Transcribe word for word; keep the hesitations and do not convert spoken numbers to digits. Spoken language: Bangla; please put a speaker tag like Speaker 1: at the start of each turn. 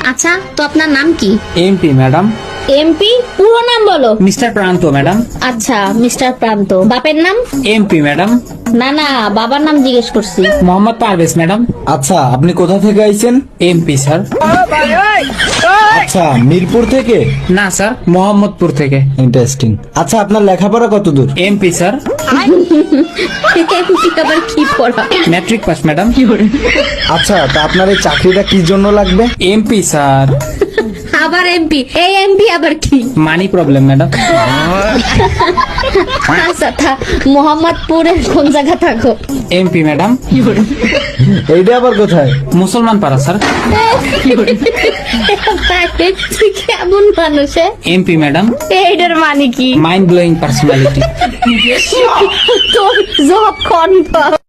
Speaker 1: আচ্ছা, তো আপনার নাম কি?
Speaker 2: MP madam.
Speaker 1: এমপি? পুরো নাম বলো।
Speaker 2: মিস্টার প্রান্ত ম্যাডাম।
Speaker 1: আচ্ছা, মিস্টার প্রান্ত। বাপের নাম?
Speaker 2: MP madam.
Speaker 1: না না, বাবার নাম জিজ্ঞেস করছি।
Speaker 2: মোহাম্মদ পারভেজ ম্যাডাম।
Speaker 3: আচ্ছা, আপনি কোথা থেকে আইছেন?
Speaker 2: MP sir.
Speaker 3: আচ্ছা, মিরপুর থেকে?
Speaker 2: না স্যার, মোহাম্মদপুর থেকে।
Speaker 3: ইন্টারেস্টিং। আচ্ছা, আপনার লেখাপড়া কত দূর?
Speaker 2: MP sir.
Speaker 1: এমপি আবার কি পড়া?
Speaker 2: Matric pass madam.
Speaker 3: আচ্ছা, তা আপনার এই চাকরিটা কি জন্য লাগবে?
Speaker 2: MP sir.
Speaker 1: আবার এমপি? এই এমপি আবার কি?
Speaker 2: Money problem madam.
Speaker 1: আচ্ছা, তা মোহাম্মদপুরের কোন জায়গা থাকো?
Speaker 2: MP madam.
Speaker 3: এইটা আবার কোথায়?
Speaker 2: মুসলমান পাড়া স্যার।
Speaker 1: তুই কেমন মানুষে?
Speaker 2: MP madam.
Speaker 1: এইটার মানে কি?
Speaker 2: Mind blowing personality.
Speaker 1: তোর জব কনফার্ম।